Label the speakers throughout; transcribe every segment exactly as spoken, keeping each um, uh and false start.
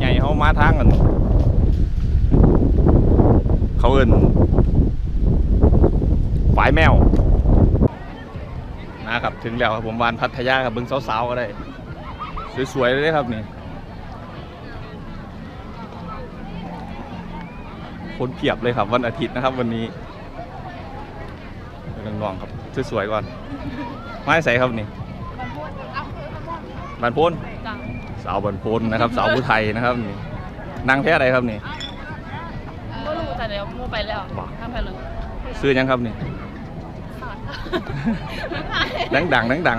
Speaker 1: ใหญ่เขามาทางกันเขาเอิ้นฝายแมวนะครับถึงแล้วครับผมวานพัทยาครับเบิ้งสาวๆก็ได้สวยๆเลยครับนี่คนเพียบเลยครับวันอาทิตย์นะครับวันนี้น้องๆครับสวยๆก่อนไม่ใส่ครับนี่บันพ้นสาวบันพ้นนะครับสาวผู้ไทยนะครับนี่นางแท้อะไรครับนี่
Speaker 2: ก็รู้แต่เดี๋ยวมูไปแล้วข้ามไปเลย
Speaker 1: ซื้อยังครับนี่ดังดังดังดัง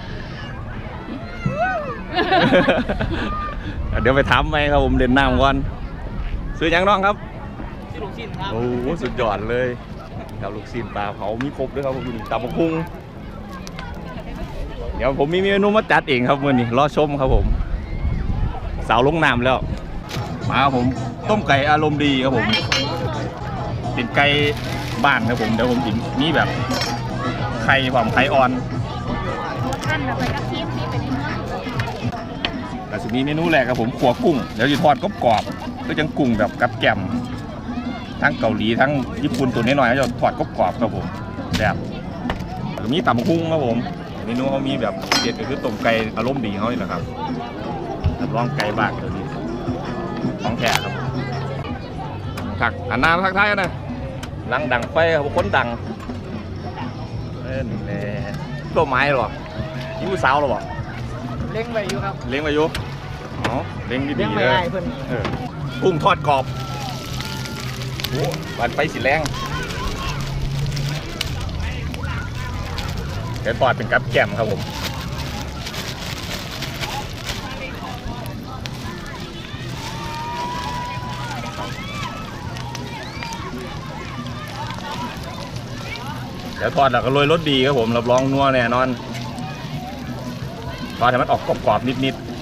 Speaker 1: เดี๋ยวไปถามไหมครับผมเด่นน้ำก่อนซื้อยังน้องครับ
Speaker 2: ซื้อลูกชิ้นครับ
Speaker 1: โอ้โหสุดยอดเลยครับลูกชิ้นปลาเผามีครบด้วยครับผมตำบักหุ่งเดี๋ยวผมมีเมนูมาจัดเองครับมื้อนี้รอชมครับผมสาวลงน้ำแล้วมาครับผมต้มไก่อารมณ์ดีครับผมเป็นไก่บ้านครับผมเดี๋ยวผมกินนี่แบบไข่หอมไข่อ่อน
Speaker 2: ขั้นไปกับทีมที่เป็น
Speaker 1: แต่สุดนี้เมนูแรกครับผมขัวกุ้งเดี๋ยวจะทอดกรอบๆก็จังกุ้งแบบกับแกมทั้งเกาหลีทั้งญี่ปุ่นตัวน้อยๆจะทอดกรอบๆครับผมแบบมีตำบักหุ่งครับผมเมนูเขามีแบบเด็ดก็คือต้มไก่อารมณ์ดีเขานี่แหละครับลองไก่บ้างเดี๋ยวนี้ของแท้ครับถักอันน้ำทักทายกันนะลังดังไฟครับคนดังเล่นแน่ตัวไม้หรอยิ้มสาวหรอ
Speaker 2: เล้งไปอยู่ครับ
Speaker 1: เล้งไปอยู่อ๋อเล้งดีๆเลยกุ้งทอดกรอบโอ้วันไปสีแรงแกทอดเป็นกับแกมครับผมเดี๋ยวทอดแล้วก็โรยรสดีครับผมรับรองนัวแน่นอนทอดให้มันออกกรอบๆนิดๆ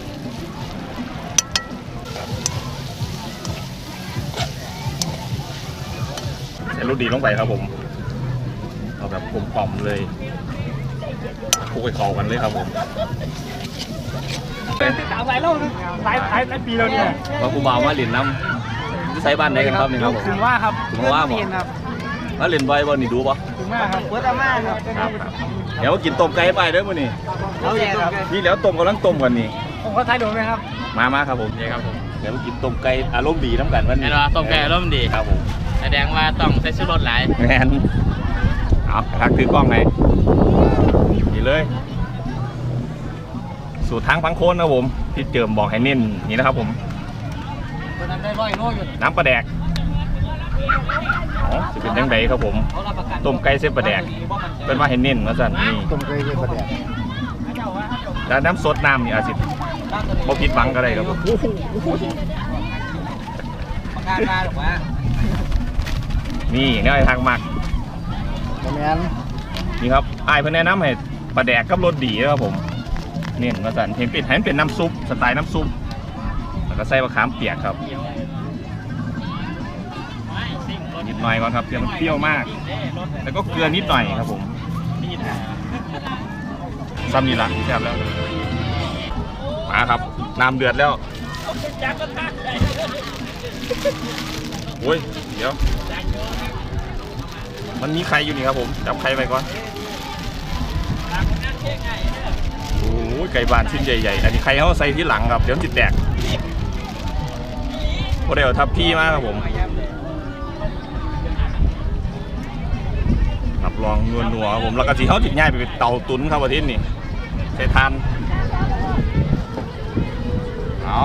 Speaker 1: ใส่รสดีลงไปครับผมเอาแบบกลมกล่อมเลยคลุกให้เข้ากันเลยครับผม
Speaker 2: เป็นติดตามหลายรอบหลายหลายหลายปีแล้วเนี่ย
Speaker 1: ว่าผู้บ่าวมาเล่นน้ำใส่บ้านไหนกันครับนี่ครับผม
Speaker 2: ถึงว่าครับ
Speaker 1: ถึงว่าบ่มาเล่นใบบ่นี่ดูป่ะ
Speaker 2: ถึงว่าครับเปิดอาม่าครับ
Speaker 1: เดี๋ยวกินต้มไก่ไปเด้อมื้อนี้
Speaker 2: เอาแย่ครับ
Speaker 1: นี่แล้วต้มกำลังต้มกันนี่
Speaker 2: ผมเขาทายโดนไหมครับ
Speaker 1: มามาครับผมนี่ครับผมเดี๋ยวกินต้มไก่อารมณ์ดีน้ำกันวันนี้
Speaker 3: ต้มไก่อารมณ์ดี
Speaker 1: ครับผม
Speaker 3: แสดงว่าต้องใส่ชูรสหลาย
Speaker 1: แมนเอาทักถือกล้องไงนี่เลยสูตรทางพังโคนนะผมที่เจิมบอกให้เน้นนี่นะครับผมน้ำปลาแดกอ๋อจะเป็นยังไงครับผมต้มไก่เส้นปลาแดกเป็นว่าให้เน้นนะสันนี่
Speaker 4: ต้มไก่เส้นปลาแดก
Speaker 1: แล้วน้ำสดน้ำนี่อาจจะบ่ผิดหวังก็ได้ครับนี่เนี่ยไอ้ทางมักนี่ครับไอ้เพื่อนแนะนำให้ปลาแดกกับรสดีนะครับผมเน้นมาสั่นเห็นเป็นเห็นเป็นน้ำซุปสไตล์น้ำซุปแล้วก็ใส่มะขามเปียกครับนิดหน่อยก่อนครับเพื่อมันเปรี้ยวมากแล้วก็เกลือนิดหน่อยครับผมซ้ำนี่ละแซ่บแล้วมาครับน้ำเดือดแล้วโอ้ยเดี๋ยวมันมีไข่อยู่นี่ครับผมจับไข่ไปก่อนโอ้ยไก่บานชิ้นใหญ่ๆอันนี้ไข่เขาใส่ที่หลังครับเดี๋ยวจิตแตกพอเดี๋ยวทับพี่มากครับผมรับรองนัวๆครับผมแล้วก็สีเขาติดง่ายไปเป็นเตาตุ๋นครับอาทิตย์นี่ใช้ทานเอา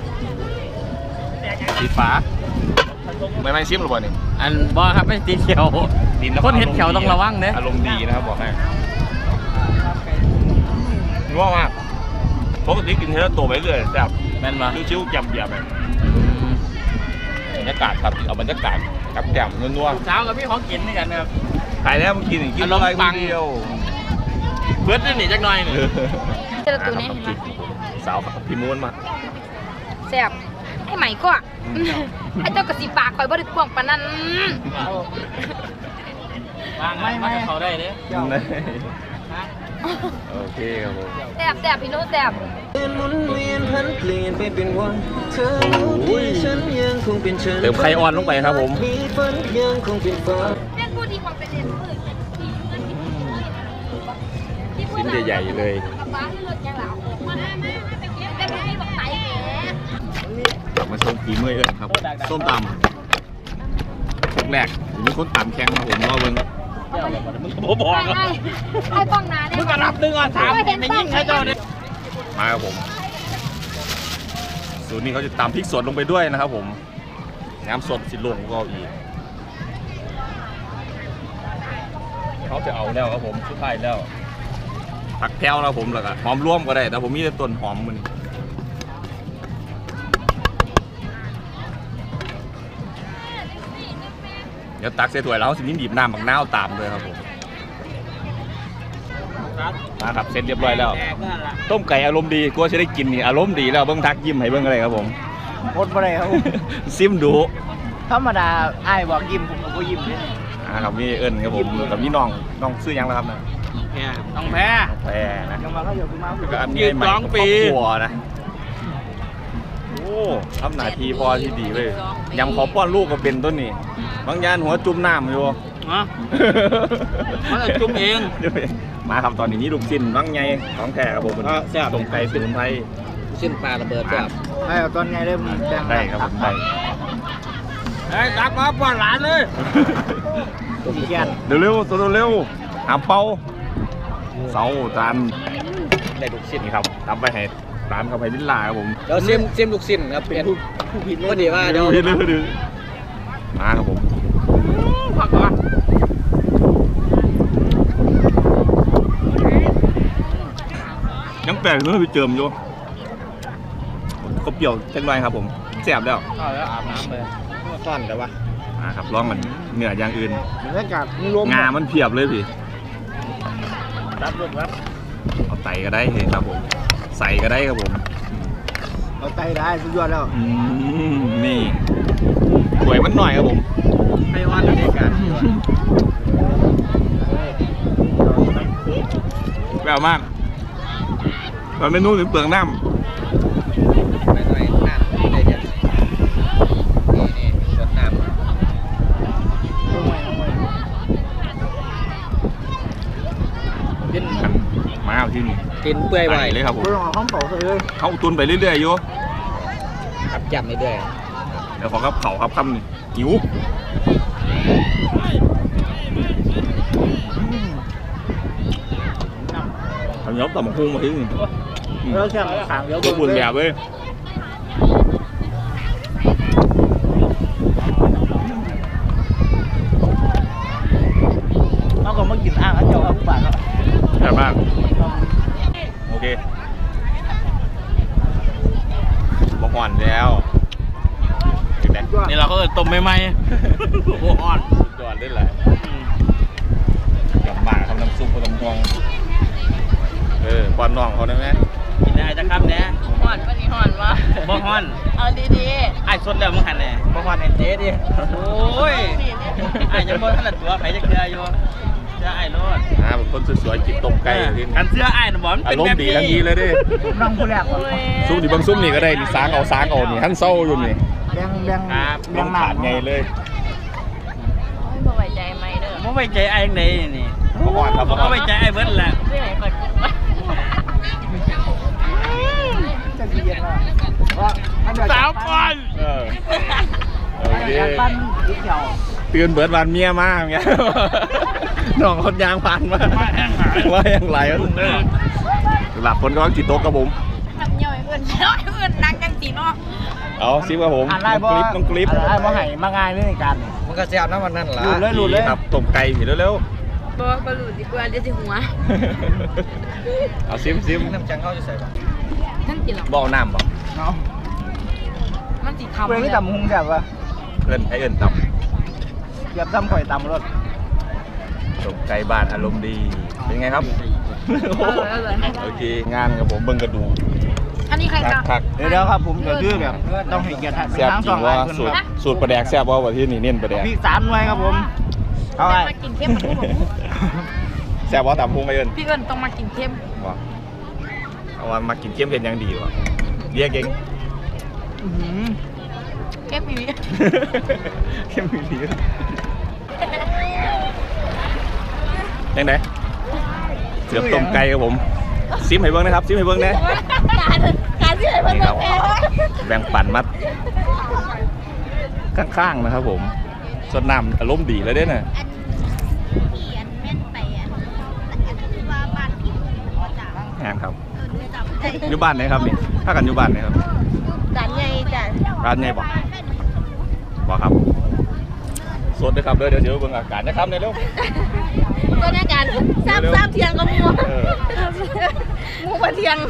Speaker 1: สีฟ้าไม่ไม่ชิมหรือเปล่านี่
Speaker 3: อันบ่ครับไม่ตีเขียวคนเห็ดเขียวต้องระวังเด้
Speaker 1: อารมณ์ดีนะครับบอกให้นัวมากปกติกินเทเลโตไปเรื่อยแบบ
Speaker 3: แม่นมา
Speaker 1: ชิวๆแจ่มเดียบแบบบรรยากาศครับเอาบรรยากาศกับแจ่มนัว
Speaker 3: ๆเช้ากับพี่ของกินนี่กันครับ
Speaker 1: ขายแล้วมันกินอีกกินอะไรคนเดียว
Speaker 3: เพื่อนนี่หนีจักหน่อยนี่
Speaker 2: เจอตัวนี้
Speaker 1: สาวพี่ม้วนมา
Speaker 2: แซ่บไอ้ใหม่ก็ไอ้เจ้ากระสีปากคอยบริกวงปานนั้น
Speaker 3: วางไม่ไม่เขาได้เด้
Speaker 1: โอเคครับผม
Speaker 2: แซ่บแซ่บพี่โน้แซ่บ
Speaker 1: เติมไข่อ่อนลงไปครับผม
Speaker 2: เป็นผู้ดีของเป็นเด็กมืด
Speaker 1: ชิ้นใหญ่ๆเลย
Speaker 2: ป้าที่รถยังหลับมาได้ไหมแต่ไม่ให้บอกไตแหม
Speaker 1: กลับมาชมฝีมือเอิญครับส้มตำแรกๆมีคนตำแข็งครับผมรอเบิ้ง
Speaker 3: ผมบอก
Speaker 2: ให้ให้ให้ป้องนาเนี่ย
Speaker 3: มึงก็รับดึงอ่ะถามไม่ยิ่งให้เจ้าเนี่ย
Speaker 1: มาครับผมสูตรนี้เขาจะตำพริกสดลงไปด้วยนะครับผมน้ำสดสิลงก็อีกเขาจะเอาแล้วครับผมสุดท้ายแล้วผักแพรวแล้วผมแล้วก็หอมร่วมก็ได้แต่ผมมีแต่ต้นหอมมันเดี๋ยวตักใส่ถ้วยแล้วสิมีบีบน้ำบักนาวตามเลยครับผมมาครับเสร็จเรียบร้อยแล้วต้มไก่อารมณ์ดีกลัวจะได้กินนี่อารมณ์ดีแล้วเบิ้งทักยิ้มให้เบิ้งอะไรครับผม
Speaker 4: โคตรบ่ได้ครับ
Speaker 1: ซิมดู
Speaker 4: ธรรมดาอ้ายบอกยิ้มผมก็ยิ้มเลย
Speaker 1: อ่าครับมีเอิญครับผมกับมีน้องน้องซื้อยังแล้วครับนะ
Speaker 3: ต้องแพ้
Speaker 1: แพรนะ
Speaker 4: ยังมาเขาอยู่ที่มา
Speaker 1: แล้วก็อันนี้ใหม่กับครอบครัวนะโอ้ทำหน้าที่พอที่ดีเลยยำขอป้อนลูกก็เป็นต้นนี่บางยานหัวจุ่มน้ำอยู่
Speaker 3: ฮะมันจะจุ่มเอง
Speaker 1: มาครับตอนนี้นี่ลูกชิ้นบางไงของแท้ครับผมตรงไก่สมุนไพร
Speaker 3: ชิ้นปลาระเบิดแบบ
Speaker 4: ไอ้ตอนไงเริ่มแบ่ง
Speaker 1: ได้ครับผมได้
Speaker 3: ไอ้ตักมาป้อนหลานเลย
Speaker 4: ขี้เกียจ
Speaker 1: เร็วๆตัวเร็วหาเป้าเสาจาน
Speaker 3: ได้ลูกชิ้น
Speaker 1: นี่ครับทำไปให้ร้านเขาไปลิ้นลาครับผม
Speaker 3: เดี๋ยวเสียมเสียมลูกชิ้นครับเป็น
Speaker 4: ผู้ผิด
Speaker 3: ก็ดีว่าเดี๋ยว
Speaker 1: เรื่อยๆมาครับผม
Speaker 3: พักก่อน
Speaker 1: ยังแปลกเลยไปเจิมอยู่ก็เปรี้ยวเล็กน้อยครับผมแซ่บแล้ว
Speaker 3: เอาแล้วอาบน้ำเลยซ่อนเลยวะ
Speaker 1: มาครับลองกันเนื้ออย่างอื่น
Speaker 4: บรรยากาศมันรวม
Speaker 1: งามันเพียบเลยพี่
Speaker 4: รับรถรับ
Speaker 1: เอาไตก็ได้เห็นครับผมใส่ก็ได้ครับผม
Speaker 4: เอาไตได้สุดยอดแล้ว
Speaker 1: อืมนี่สวยมันหน่อยครับผม
Speaker 3: ให้วันบรรยากาศ
Speaker 1: แปลวมากมันเป็นนู่นถึงเปลืองน้
Speaker 3: ไปหน่อยน้ำได้เดี๋ยวนี่นี่รดน้ำ
Speaker 1: ำมาเอาที่นี่
Speaker 3: กินเปื่อย
Speaker 1: ไป
Speaker 3: ไว้
Speaker 1: เลยครับผม
Speaker 4: ก็ต้องเอาข้าวเปล่าใส่เลย
Speaker 1: เขาตุนไปเรื่อยๆอยู่
Speaker 3: ครับจับไม่ด้วย
Speaker 1: เดี๋ยวขอครับเขาครับคำหนึ่งหิวทำยอบต่ำพุงมาที่นี่
Speaker 4: แล้วแค่ขางเดียว
Speaker 1: ตัวบุญแบบเลย
Speaker 4: เราก็มากินอ่างแล้วเจ้าเอาผู้บาทครับ
Speaker 1: แบบมากโอเคบอกก่อนแล้วถึงไหน
Speaker 3: นี่เราก็ต้มใหม่ๆโอ้โหอ่อน
Speaker 1: สุดยอดได้เลยกับหมาทำน้ำซุปผสมทองเออป้อนน้องเขาได้ไหม
Speaker 3: กินได้จะครับเนี่ย
Speaker 2: หอนวันนี้หอนวะ
Speaker 3: บ่ฮ้อน
Speaker 2: เอาดี
Speaker 3: ไอ้สดแล้วมึงหันแน่บ่ฮ้อนไอ้เจ๊ดิโอ้ยไอ้ยังบ่ทันตัวไผจะเกลืออยู่เสื้อไอ้โลด
Speaker 1: อ่าเป็นคนสวยๆกินต้มไก่ที่
Speaker 3: กันเสื้อไอ้น่ะบ่มัน
Speaker 1: อา
Speaker 3: เป็น
Speaker 1: รม
Speaker 3: แบบ
Speaker 1: ณ์ดี
Speaker 3: นี้
Speaker 1: ทั้งนี้เลยดิ
Speaker 4: น้องผู้แรกครับ
Speaker 1: ซุปนี่บางซุปนี่ก็ได้นี่สางเอาสางเอานี่ทั้งเศร้าอยู่นี่
Speaker 4: แบ่งแบ่ง
Speaker 1: ล
Speaker 4: แบ่ง
Speaker 1: ง
Speaker 4: หนา
Speaker 1: ขาดไงเลย
Speaker 2: ๆไม่ไว้ใจไหมเด้อ
Speaker 3: บ่ไว้ใจไอ้จังไดนี่
Speaker 1: บอกก่อนครับ
Speaker 3: บ่ไว้ใจไอ้เบิดแหละ
Speaker 2: ไม่ให้คนกินวะ
Speaker 4: จะขี้เกียจมากว่าอันเดียว
Speaker 3: สาวก่อน
Speaker 1: เออโอเค
Speaker 4: การปั้นขี้เกียจ
Speaker 1: เตือนเบิร์ดวันเมียมากเงี้ยน้องคนยางผ่านมา
Speaker 3: ว่าแห้งหาย
Speaker 1: ว่ายังไรวะหลับคนก็ต้องจิตโต๊ะกับผม
Speaker 2: ทำย่อยเอื่นย่อยเอื่นนักจังสีเนาะ
Speaker 1: เอาซิปกับผม
Speaker 4: อ่าน
Speaker 1: น้
Speaker 4: ได้
Speaker 1: อง
Speaker 4: บ่
Speaker 1: คลิปน้องคลิป
Speaker 4: อ่านได้บ่ให้มาง่ายเลยในการ
Speaker 3: มันก็แซ่บนะวันนั้นล่ะ
Speaker 4: หลุดเลยหลุดเลย
Speaker 1: ครับต้มไก่ผิดเร็ว
Speaker 2: บ่บ่รู้ดีกว่าเดี๋ยวสิหัว
Speaker 1: ๆเอาซิมซิม
Speaker 3: น้ำจังเข้าจะใส่ป่ะ
Speaker 2: ท่านกินหรอ
Speaker 1: บ่เอาน้ำบ่
Speaker 4: เนาะ
Speaker 2: มันสิทำ
Speaker 4: เพื่อนที่ตำหุงแบบว่า
Speaker 1: เอิ้นไอเอิ้นต่
Speaker 4: เกียบซ้ำข่อยตำรถ
Speaker 1: ำต้มไก่บ้านอารมณ์ดีเป็นไงครับ
Speaker 2: เออเออ
Speaker 1: โอเคงานกับผมเบิ่งกระดูก
Speaker 2: อันนี้ใคร
Speaker 1: ทั
Speaker 2: จะ
Speaker 1: กทัก
Speaker 4: เดี๋ยวเดี๋ยวครับผมก็คือแบบต้องให้เกียรติ
Speaker 1: แซ่บ
Speaker 4: ทั้ง
Speaker 1: จ
Speaker 4: ส
Speaker 1: ริ
Speaker 4: อง
Speaker 1: ง
Speaker 4: ฝ่า
Speaker 1: ว่าย
Speaker 4: คน
Speaker 1: สูตร
Speaker 4: ครับ
Speaker 1: สูตรปลาแดกแซ่บว่าว่าที่นี่เน้นปลาแดก
Speaker 4: พริกสามหน่วยครับผมเอาไว้
Speaker 2: มากินเข้มมันทุกคน
Speaker 1: แซ่บว่าตำพุงไอเอิญ
Speaker 2: พี่เอิญต้องมากินเข้ม
Speaker 1: ว่าเอาว่ามากินเค็มเผ็ดยังดีวะเรียกเก่ง
Speaker 2: เข้มมี
Speaker 1: เค็มมีดียังไงเสือบต้มไก่ครับผมซิมให้เบิ้งนะครับซิมให้เบิ้งนะ
Speaker 2: การการที่ไหนเพิ่ม
Speaker 1: นี่ครับ
Speaker 2: แพ้
Speaker 1: แบ่งปันมัดข้างๆนะครับผมสดน้ำอารมณ์ดีเลยเด้น่ะ
Speaker 5: เขียนแม่นไปอ่ะอันนี้คือว่าบ้านพี่จ้ะ
Speaker 1: แหงครับ
Speaker 5: เออจำได้
Speaker 1: อยู่บ้านไหนครับนี่ถ้ากันอยู่บ้านไหนครับ
Speaker 5: จานใหญ่จ้ะ
Speaker 1: ร้านไหนบอกบอกครับสดนะครับเด้อเดี๋ยวเดี๋ยวเบิ่งอาการนะครับในเร็ว
Speaker 5: ตัวนี้กันซ้ำซ้ำเทียงกับมู
Speaker 1: เออ
Speaker 5: มูมาเทียง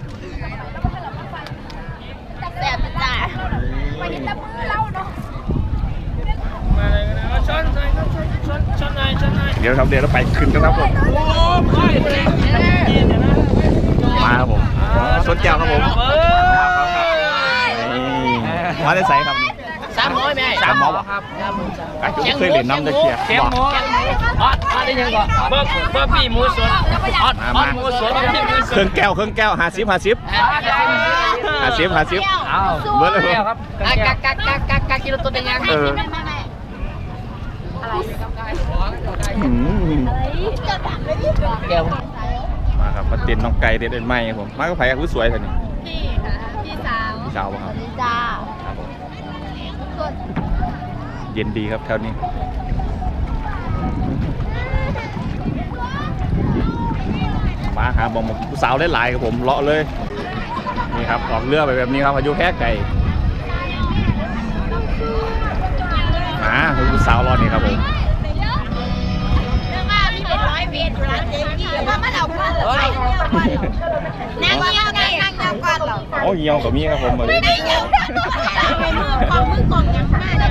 Speaker 5: แซ่บจ้ะไปเห็นตะมือเราเนาะ
Speaker 3: มาเลยนะเอาช้อนหน่อยครับช้อนช้อนช้อนหน่อยช้อนหน่อย
Speaker 1: เดี๋ยวครับเดี๋ยวเราไปขึ้นกันครับผม
Speaker 3: โอ้ค่อยเลยเดี๋ยวนะ
Speaker 1: มาครับผมสดแก้วครับผม
Speaker 3: เออ
Speaker 1: นี่มาได้ใส่ครับนี่
Speaker 3: สามร้อยไหม
Speaker 1: สามหมอบ่
Speaker 3: ครับ
Speaker 1: ไอ้จุ๊เคยเล่นน้ำตะเคียบ
Speaker 3: แข็ง
Speaker 1: บอก
Speaker 3: หมูออดออดได้ยังก่อนเบอร์เบอร์ปีหมูสดออดออดหมูสดบะหมี่หมูส
Speaker 1: เครื่
Speaker 3: ด
Speaker 1: องแก้วเครื่องแก้วหาซิบหาซิบหาซิบหาซิบ
Speaker 3: อ้าว
Speaker 1: เบิร์ดเลย
Speaker 3: แก้วครับกักกักกักกักกักกิโลตัวเป็นยัง
Speaker 1: เอออืม
Speaker 3: แก้ว
Speaker 1: มาครับมาเต้นน้องไก่เต้นเต้นไม้ครับผมมาก็ไผ่ก็สวยท่านี่
Speaker 5: พี่ค่ะพี่สาว
Speaker 1: พี่สาวป่ะครับ
Speaker 5: จ้า
Speaker 1: ครับผม
Speaker 5: ส่วน
Speaker 1: เย็นดีครับแถวนี้มาหาบอมผู้สาวได้หลายครับผมเลาะเลยนี่ครับออกเรือไปแบบนี้ครับอายุแค่ไก่มาผู้สาวรอนี่ครับผม
Speaker 5: เรื่องว่าพี่เป็นร้อยเวรอยู่ร้านเจ๊กี้แล้วมาเอาเงินเหรอนั่งเงี้ยนั่งนั่งนั่งก่อนเหรอ
Speaker 1: โอ้เหี่ยวกับมีครับผมมาเลย
Speaker 5: ไม่เงี้ยไปมือกองมือกองยังมาแล้ว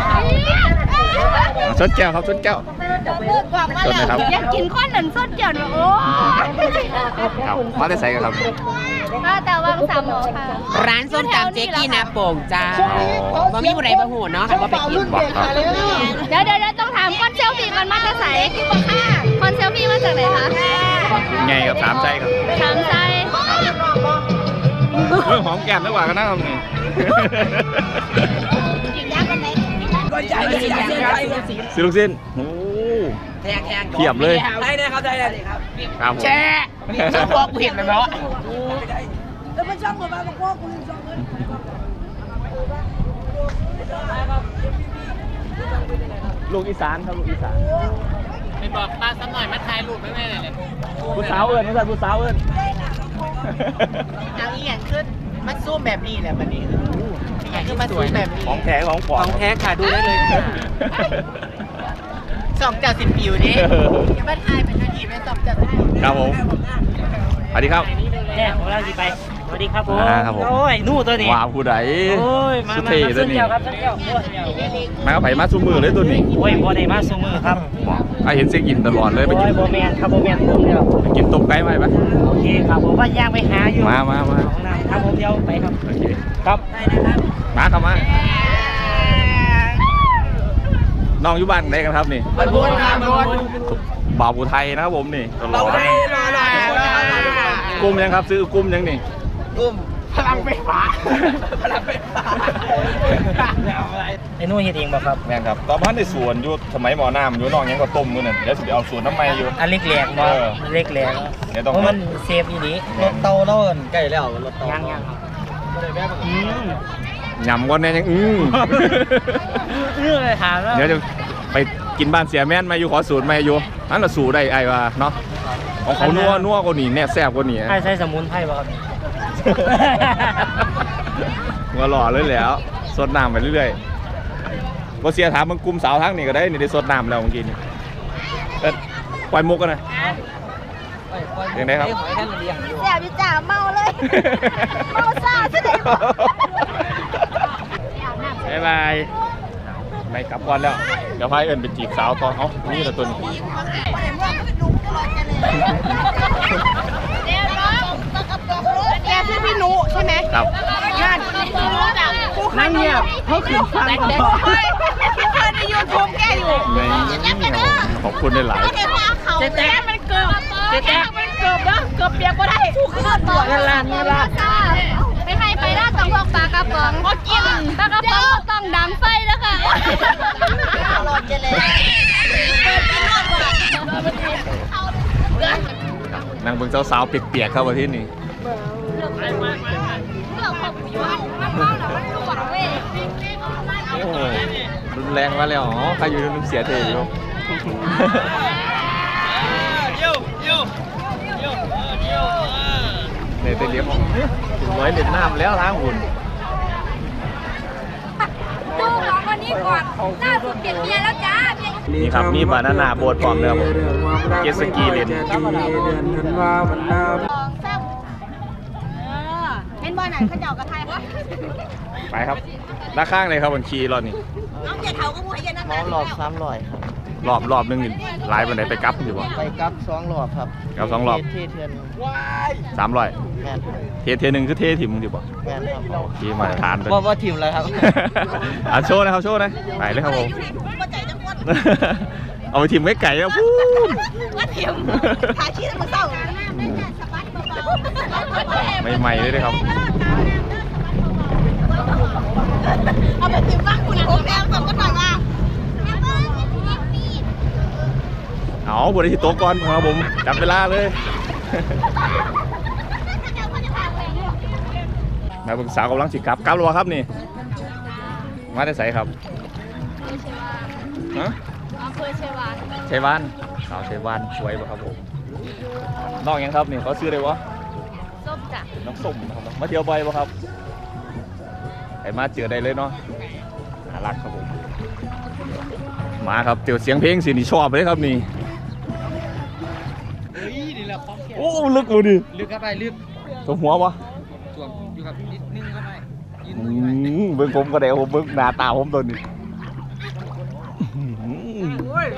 Speaker 5: ก็
Speaker 1: ชนแก้วครับชนแก้ว
Speaker 5: มือกองมาแล้วอยากกินข้าวหนึ่งส้นเกี่ยวโอ้
Speaker 1: ครับมาได้ใส่กันครับ
Speaker 5: ก็แต่ว่าสามหมอค่ะ
Speaker 6: ร้านส้มตำเจ๊กี้นาโป่งจ้าบ่มีผู้ใดบ่หูเนาะคันว่าไปกิน
Speaker 1: บอกครับ
Speaker 5: เดี๋ยวเดี๋ยวต้องถามคอนเซลฟี่มันมาจากไหนคอนเซลฟี่มาจากไหนคะ
Speaker 1: ไงครับสามใจครับ
Speaker 5: ทางไส้
Speaker 1: เรื่องหอมแก้มดีกว่ากันนะครับนี่ ซื้อลูกชิ้นโอ้
Speaker 6: แทงแทง
Speaker 1: เทียบเลย
Speaker 6: ได้เลยครับได้เลยครับ
Speaker 1: ครับผม
Speaker 6: แช่ช่องบอกเห็นแล้วเนาะ
Speaker 1: ลูกอีสานครับลูกอีสาน
Speaker 3: ไปบอกป้าสักหน่อยมาถ่ายรูปให้แม่หน่อยเลย
Speaker 1: ผู้สาวเอิญผู้สาวผู้สาวเอิญ
Speaker 6: เอาอีหยังขึ้นมันซูมแบบนี้แหละบัดนี้อีหยังขึ้นมาซูมแบบนี้
Speaker 1: ของแท้ของปลอม
Speaker 6: ของแท้ค่ะดูได้เลยค่ะสองเจ้าสิบปิวนี่อย่ามาถ่ายเป็นนาทีเป็นสองเจ้าถ่าย
Speaker 1: ครับผมสวัสดีครับ
Speaker 7: แจ้ของเราสิไป สวัสดีครับผม
Speaker 1: อ่าครับผม
Speaker 7: โอ้ย นู่ตัวนี้
Speaker 1: ว้าวผู้ใด
Speaker 7: โอ้ย มา
Speaker 1: สุด
Speaker 7: มา
Speaker 1: เท่
Speaker 7: มา
Speaker 1: ตัว
Speaker 7: ส้น
Speaker 1: นี้
Speaker 7: เดียวครับส้นเดียวโอ้ย
Speaker 1: มากับไผ่มาซูมือเลยตัวนี้
Speaker 7: โอ้ยบ่ได้มาสูมือครับ
Speaker 1: บอกไอ้เห็นเซ็กอินตลอดเลยไป
Speaker 7: โอ้
Speaker 1: กิน
Speaker 7: ยโบแมนครับโบแมนผมเดียว
Speaker 1: ไปกินต้มไก่ไหมปะ
Speaker 7: โอเคครับผมว่าย่างไปหาอยู่
Speaker 1: มามามา
Speaker 7: ของน้ำครับผมเดียวไปครับ
Speaker 1: โอเค
Speaker 7: ครับ
Speaker 1: มาครับมาน้องอยู่บ้านไหนกันครับนี่
Speaker 6: มันบนครับบน
Speaker 1: บ่าวผู้ไทยนะครับผมนี่ตลอด
Speaker 6: รอรอรอ
Speaker 1: กุ้มยังครับซื้อกุ้มยังนี่
Speaker 6: กุ้มพลังไฟฟ้าพลังไฟฟ้า
Speaker 7: ไอ้นู่นเฮ็ดเองบ่ครับ
Speaker 1: แม่นครับตอนพันในสวนอยู่สมัยหมอน้ำอยู่น้องยังก็ต้มมือนั่นเดี๋ยวสิไปเอาสวนน้ำไม้อยู่
Speaker 7: อันเล็กแหลกบ่
Speaker 1: เออ
Speaker 7: เล็กแหลก
Speaker 1: เดี๋ยวต้อง
Speaker 7: เพราะมันเซฟอีนี้
Speaker 4: รถเตาเนาะใกล้แล้วรถเตา
Speaker 7: ย่างย่างครับอืม
Speaker 1: ยำก่อนแน่ยังอือ
Speaker 7: เรื่องอะไรถามแล้ว
Speaker 1: เดี๋ยวจะไปกินบ้านเสียแม่นมาอยู่ขอสูตรมาอยู่นั่นละสูตรได้ไอ้ว่าเนาะของเขานัวนัวกว่านี่แน่แซ่บกว่านี่
Speaker 7: ใช่ใช้สมุนไพรบ่ครับ
Speaker 1: มาหล่อเลยแหล้วสดน้ำไปเรื่อยๆบ่เสียถามมึงกลุ่มสาวทั้งนี่ก็ได้นี่ได้สดน้ำแล้วเมื่อกี้นี่เอ็ดปล่อยมุกกันหน่อยยังไงครับ
Speaker 5: แซ่บอยู่จ้าเมาเลย เมาซ่าซะได้บ่
Speaker 1: บ๊ายบายไม่กลับก่อนแล้วเดี๋ยวพายเอิญไปจีบสาวตอนเขานี่ละตัวนี้
Speaker 5: แกชื่อพี่นุใช่ไหม
Speaker 1: ครับ
Speaker 5: งานนั่งเงียบเขาขึ้นฟังก่อนพี่เคยในยูทูบแกอยู่
Speaker 1: ในขอบคุณได้หลาย
Speaker 5: เจ๊แจ๊มันเกิ
Speaker 6: เจ๊แจ๊กเกือบเด้อเกือบเปียกก็ได้ถูกขึ้นตัวเงินล้านเงินล้าน
Speaker 2: ไปให้ไปล่าต้องพวกปลากระป๋องก็กินปลากระป๋องต้องดังไฟแล้วค่ะ
Speaker 5: อร่อยจังเลยเปิดกินนอนก่อน
Speaker 1: นางเบิ่งสาวๆเปียกๆเข้ามาที่นี่
Speaker 2: เรื่องของอยู่มันเมาแล้วมันหลวงเว้ย
Speaker 1: โอ้รุนแรงมาแล้วอ๋อใครอยู่ในน้ำเสียเทอยู่
Speaker 3: เยี่ยวเยี่ยวเยี่ยวเยี่ยว
Speaker 1: ในเตเลียมถึงร้อยเด็ดน้ำแล้วล้างหุ่น
Speaker 2: ดูน้องคนนี้ก่อนหน้าสุดเปลี่ยนเมียแล้วจ้า
Speaker 1: นี่ครับมีบานาน่าโบดปลอมเนื้อผมเจสกีเลน
Speaker 5: เป็นบอลไหนเขาเจาะกระทายปะ
Speaker 1: ไปครับด้านข้างเลยครับบนคีรอบนี้
Speaker 5: น้องอย่าเถาก็มวยยันนั่น
Speaker 4: น้องหลอบสามร้อยครับ
Speaker 1: รอบรอบหนึงนี่หลายบันไดไปกลับอยู่บ่
Speaker 4: ไปกับสองหลอบครับ
Speaker 1: กับสองรอบ
Speaker 4: เทเทือน
Speaker 1: สามร้อย
Speaker 4: แม่น
Speaker 1: เทเทหนึ่งคือเทถิ่มอยู่บ่
Speaker 4: แม่นครับ
Speaker 1: ที่มาตรฐานเลย
Speaker 4: ว่าว่าทีมอะไรครับ
Speaker 1: อ่ะโชว์นะครับโชว์นะไปเลยครับผม
Speaker 5: อยู่ในถุงหัวใจจังหวัด
Speaker 1: เอาไปถิ่มไว้ไก่แล้วพูน
Speaker 5: ว่าเทียมขาชี้มือเศร้า
Speaker 1: ใหม่ๆเลยนะครับ
Speaker 5: เอาไปติดบ้านคุณผมแล้วส่งกันหน่อยว่า
Speaker 1: เอาบริษัทโต๊ะก่อนครับผมจับเวลาเลยมาปรึกษากำลังสิกลับกลับหรือเปล่าครับนี่มาได้ใส่ครับฮะ
Speaker 2: อำเภอเชวาน
Speaker 1: ชัยวานสาวชัยวานสวยป่ะครับผมน้องยังครับนี่เขาซื้อได้วะ
Speaker 2: ส้มจ้ะ
Speaker 1: น้องส้มนะครับมาเที่ยวบ่อยป่ะครับไอ้มาเจอได้เลยเนาะน่ารักครับผมมาครับเจอเสียงเพลงสินี่ชอบเลยครับนี่
Speaker 3: เฮ้ยนี่แหละของแข็ง
Speaker 1: โอ้ลึกเลยดิ
Speaker 3: ลึกเข้าไปลึก
Speaker 1: ตัวหัววะ
Speaker 3: ส่วนอยู่กับนิดนึงเข้าไปยืน
Speaker 1: อื
Speaker 3: มือไว้
Speaker 1: มเบิ่งผมก็ได้ผมเบิ่งหน้าตาผมตัวนี้
Speaker 3: โอ้ย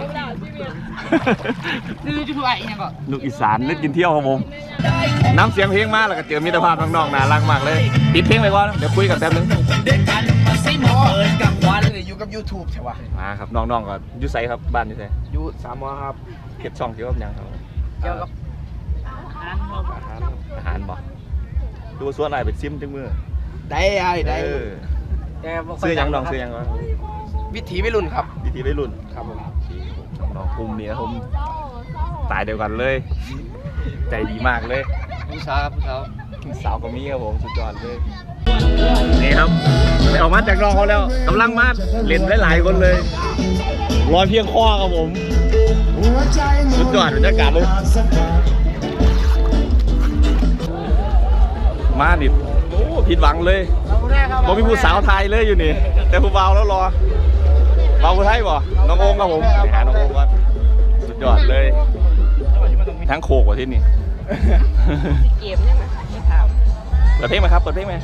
Speaker 3: ดื้อจุ๊บไอ้เนี่ยก็
Speaker 1: ลูกอีสานเล่นกินเที่ยวครับผมน้ำเสียงเพลงมาแล้วก็เจอมิตรภาพน้องๆน่ารักมากเลยปิดเพลงไปก่อนเดี๋ยวคุยกันแป๊บนึง
Speaker 3: เด็กกันมาซิมอเอินกับควันเลยอยู่กับ YouTube ใช่ปะ
Speaker 1: มาครับน้องๆก็อยุ่ไสครับบ้านอยุ่ไส
Speaker 3: อยู่สามมอครับ
Speaker 1: เก็บช่องเกี่ยวกับหยังครับ
Speaker 3: เกี่ยวกับอาหารครับ
Speaker 1: อาหารอาหารบ่ดูส่วนอะไรเป็นซิมจังมือ
Speaker 3: ได้ไอ้ได้
Speaker 1: เออ
Speaker 3: แต่บ่ค่
Speaker 1: ซื้อหยังน้อง
Speaker 3: ดั
Speaker 1: ซื้อหยังวะ
Speaker 3: วิถีวัยรุ่นครับ
Speaker 1: วิธีวัยรุ่น
Speaker 3: ครับผม
Speaker 1: น้องๆกลุ่มนี้นะผมตายเดียวกันเลย ใจดีมากเลย
Speaker 3: ผู้สาวครับผู้สาว
Speaker 1: สาวก็มีครับผมสุดยอดเลยนี่ครับไปออกมาจากน้องเขาแล้วกำลังมาเล่นหลายๆคนเลยรอยเพียงข้อครับผมสุดยอดบรรยากาศเลยมาดิโอ้ผิดหวังเลยผมมีผู้สาวไทยเลยอยู่นี่แต่ผู้เบาแล้วรอเบาผู้ไทยบ่น้องโอมครับผมไปหาน้องโอมก่อนสุดยอดเลยทั้งโคกว่าที่นี่
Speaker 6: เกมเนี่ยมั้ยไม่ถาม
Speaker 1: เปิดเพลงไหมครับเปิดเพลงไหม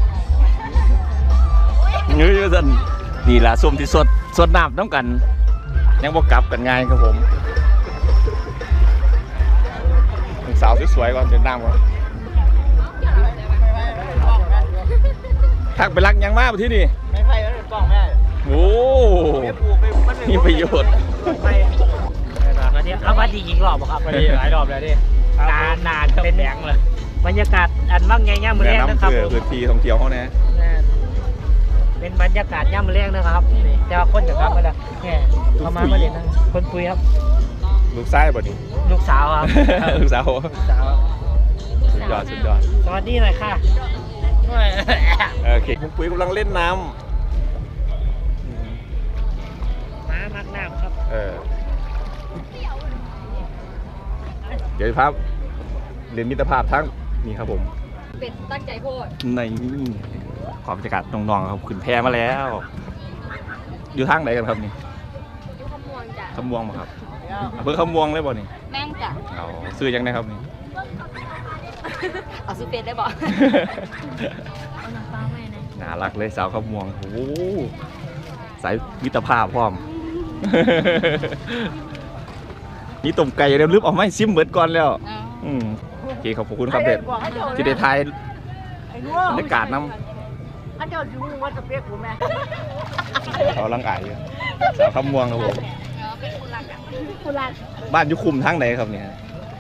Speaker 1: เงยสันนี่ล่ะส้มที่สดสดน้ำต้องกัน ยังบวกกลับกันง่ายครับผมสาวสวยๆก่อนเดินน้ำก่อนทักไปรักยังมากที่นี่
Speaker 3: ไม่ไพ่แล้วกล้องไม่ได้
Speaker 1: โอ้มีประโยชน์
Speaker 7: มาเที่ยวเอาวัดดีอีกรอบบ่ครับวัดดีหลายรอบแล้วดินานนานเป็นแบงเลยบรรยากาศอันว่างไงย่ามมือ
Speaker 1: แนะ
Speaker 7: แรกนะ
Speaker 1: นำ
Speaker 7: ครับ
Speaker 1: เพื่อพื้นที่ท่องเที่ยวเขาแน่
Speaker 7: เป็นบรรยากาศย่ามมือแรกนะครับแต่ว่าคนจะครับมาแล้วแค่เขามามาเล่นนะคนคุยครับ
Speaker 1: ลูกไส้บ่นี่
Speaker 7: ลูกสาวครับ
Speaker 1: ลูกสาว
Speaker 7: สาว
Speaker 1: สุดยอดสุดยอด
Speaker 7: สวัสดีหน่อยค่ะ
Speaker 1: โอเคคุณปุ้ยกำลังเล่นน้ำ
Speaker 7: ม้ามักน้ำครับ
Speaker 1: เออเดี๋ยวครับเรียนมิตรภาพทั้งนี่ครับผม
Speaker 2: เป็ดตั้งใจโพด
Speaker 1: ในความบรรยากาศน้องๆครับขึ้นแพมาแล้ว อยู่ทางไหนกันครับนี่
Speaker 2: ยูขมวงจ้ะ
Speaker 1: ขมวงมาครับอำเภอขมวงเลยบ่นี่
Speaker 2: แม่งจ้ะ
Speaker 1: เอาซื้อยังไงครับนี่
Speaker 2: เอาซูเป็ดได้บ่
Speaker 1: น่ารักเลยสาวขมวงโอ้โหสายมิตรภาพพร้อม นี่ต้มไก่เริ่มลึบออกมาให้ซิมเบิดก่อนแล้วอืมโอเคขอบคุณครับเด็ดที่ได้ทายบรรยากาศน้
Speaker 6: อันเดียวดูว่าจะเปียกกูแม่
Speaker 1: ำเขาลังอายอยู่สาวขมวงครับผม
Speaker 2: เป็นคุณรักอ่ะ
Speaker 6: คุณรัก
Speaker 1: บ้านอยุคุมทางไหนครับเนี่ย
Speaker 6: อ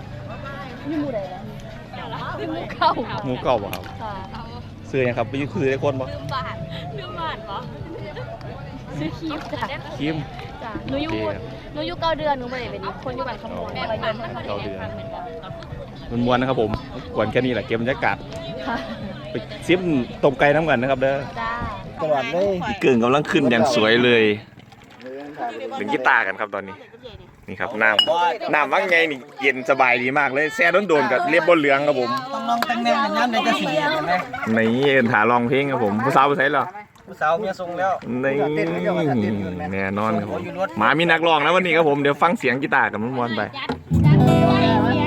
Speaker 2: หมูเก่า
Speaker 1: หมูเก่าบ่ครับ
Speaker 2: ค่ะ
Speaker 1: ซื้อยังครับไปซื้อได้คนบ่
Speaker 2: ลืมบาทลืมบาทเหรอซื้อครีมจ้ะ
Speaker 1: ครีม
Speaker 2: จ้ะหนูอยู่หนูอยู่เก้าเดือนหนูไม่ได้เป็นคนอยู่บ้านขโมยแม่บ้าน
Speaker 1: เก้าเดือนมันมวนนะครับผมกวนแค่นี้แหละเก็บบรรยากาศ
Speaker 2: ค่ะ
Speaker 1: ไปซิมต้มไก่น้ำกันนะครับเด้อ
Speaker 2: จ้า
Speaker 4: ตลอดเลย
Speaker 1: พี่เกิงกำลังขึ้นอย่างสวยเลยเล่นกีตาร์กันครับตอนนี้นี่ครับน้ำน้ำว่างไงนี่เย็นสบายดีมากเลยแซ่โดนๆกับเรียบบนเหลืองครับผม
Speaker 3: ต้องลองแต่งแนวน้ำในจะสีเห็นไหม
Speaker 1: นี่เอ็นถาลองเพลงครับผมผู้สาวผู้ชายเหรอ
Speaker 3: ผู้สาวเมียทรงแล้ว
Speaker 1: นี่แน่นอนครับผมหมามีนักร้องแล้ววันนี้ครับผมเดี๋ยวฟังเสียงกีตาร์กับมันมวนไป
Speaker 5: จัดจัดเลย